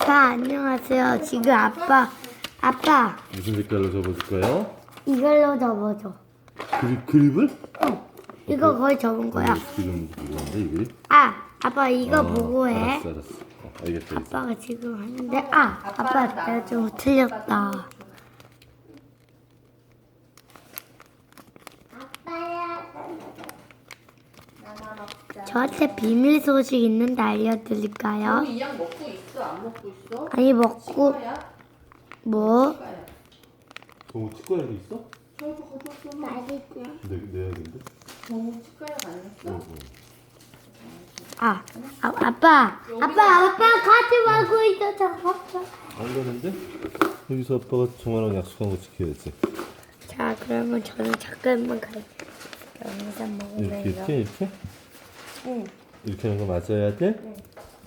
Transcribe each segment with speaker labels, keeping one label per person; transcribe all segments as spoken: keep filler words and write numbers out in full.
Speaker 1: 아빠 안녕하세요. 지금 아빠 아빠
Speaker 2: 무슨 색깔로 접어줄까요?
Speaker 1: 이걸로 접어줘.
Speaker 2: 그립, 그립을?
Speaker 1: 어, 이거 거의 접은 거야.
Speaker 2: 어, 지금 이건데 이 그립?
Speaker 1: 아, 아빠 이거
Speaker 2: 어,
Speaker 1: 보고 해.
Speaker 2: 알았어 알았어. 어, 알겠다 알겠어.
Speaker 1: 아빠가 지금 하는데 아, 아빠 내가 좀 틀렸다. 저한테 비밀 소식 있는데 알려드릴까요?
Speaker 3: 이 약 먹고 있어? 안 먹고 있어?
Speaker 1: 아니 먹고
Speaker 3: 치과야?
Speaker 1: 뭐?
Speaker 3: 치과야.
Speaker 2: 동우 치과에도 있어?
Speaker 3: 저도 가져왔어.
Speaker 2: 내, 내야겠는데?
Speaker 3: 너무 치과에 다녔어?
Speaker 2: 응, 응.
Speaker 1: 아, 아 아빠 아빠 아빠 가지 말고 있어 저 아빠.
Speaker 2: 안 가는데? 여기서 아빠가 정아랑 약속한 거 지켜야지.
Speaker 1: 자 그러면 저는 잠깐만 갈게요. 영상
Speaker 2: 이렇게
Speaker 1: 먹으면서.
Speaker 2: 이렇게 이렇게?
Speaker 1: 응.
Speaker 2: 이렇게 하는 거 맞아야 돼?
Speaker 1: 응.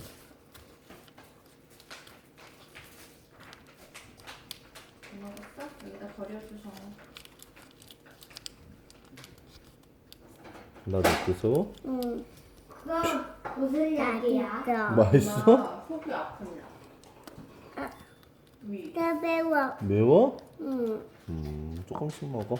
Speaker 3: 먹었어? 여기다 버려주셔.
Speaker 2: 나도 어때서?
Speaker 1: 응. 그거 무슨 약이야?
Speaker 2: 맛있어?
Speaker 3: 엄마 속이 아프냐? 위.
Speaker 1: 나 매워.
Speaker 2: 매워?
Speaker 1: 응.
Speaker 2: 음 조금씩 먹어.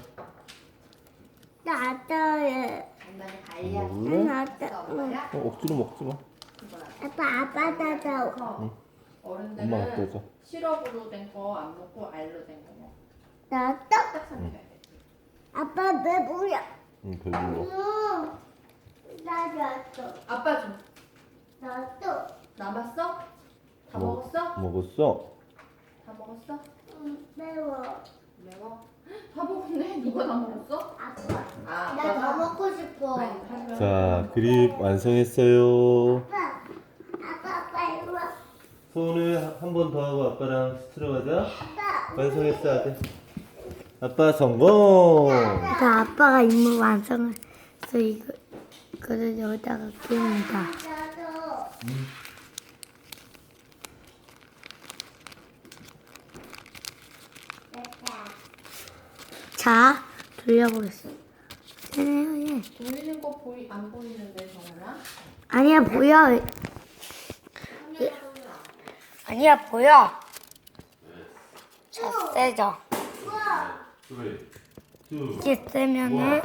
Speaker 1: 나 아빠야.
Speaker 3: 엄마는 갈리야.
Speaker 2: 먹을래?
Speaker 1: 나 아빠. 응.
Speaker 2: 어, 억지로 먹지 마.
Speaker 1: 아빠 아빠 나도.
Speaker 3: 커.
Speaker 2: 엄마가
Speaker 3: 어른들은
Speaker 2: 떠줘.
Speaker 3: 시럽으로 된 거 안 먹고 알로 된 거 먹어.
Speaker 1: 나도.
Speaker 3: 딱 선택해야 돼.
Speaker 1: 아빠 매워요.
Speaker 2: 응 배불러.
Speaker 1: 응. 나도.
Speaker 3: 아빠 좀.
Speaker 1: 나도.
Speaker 3: 남았어? 다
Speaker 2: 먹-
Speaker 3: 먹었어?
Speaker 2: 먹었어?
Speaker 3: 다 먹었어?
Speaker 1: 응, 매워.
Speaker 3: 매워? 다 먹었네? 누가 다 먹었어?
Speaker 1: 아빠.
Speaker 3: 아,
Speaker 1: 나 더
Speaker 3: 아빠가?
Speaker 1: 먹고 싶어.
Speaker 3: 아니, 하지만
Speaker 2: 자 그립 완성했어요.
Speaker 1: 아빠. 아빠 아빠 이리 와.
Speaker 2: 손을 한 번 더 하고 아빠랑 스트로 가자.
Speaker 1: 아빠.
Speaker 2: 완성했어 아들. 아빠 성공.
Speaker 1: 자, 아빠가 임무 완성해서 이거 이거를 여기다가 끼웁니다.
Speaker 3: 나도.
Speaker 1: 자, 돌려보겠습니다. 되네요, 예.
Speaker 3: 돌리는 거 보이 안 보이는데 정우야?
Speaker 1: 아니야, 보여. 예. 아니야, 보여. 자, 세죠. 이게 세면은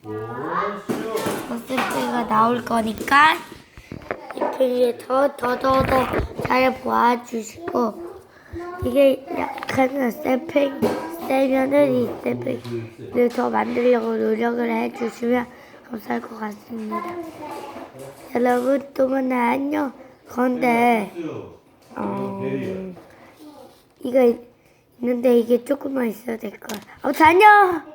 Speaker 1: 모습가 나올 거니까 이렇게 더더더더 잘 보아주시고 이게 약간 세팽 세면은 이 세팽을 더 만들려고 노력을 해주시면 감사할 것 같습니다. 여러분 또 만나 안녕. 그런데 어, 이거 있는데 이게 조금만 있어야 될 거야. 아무튼 안녕.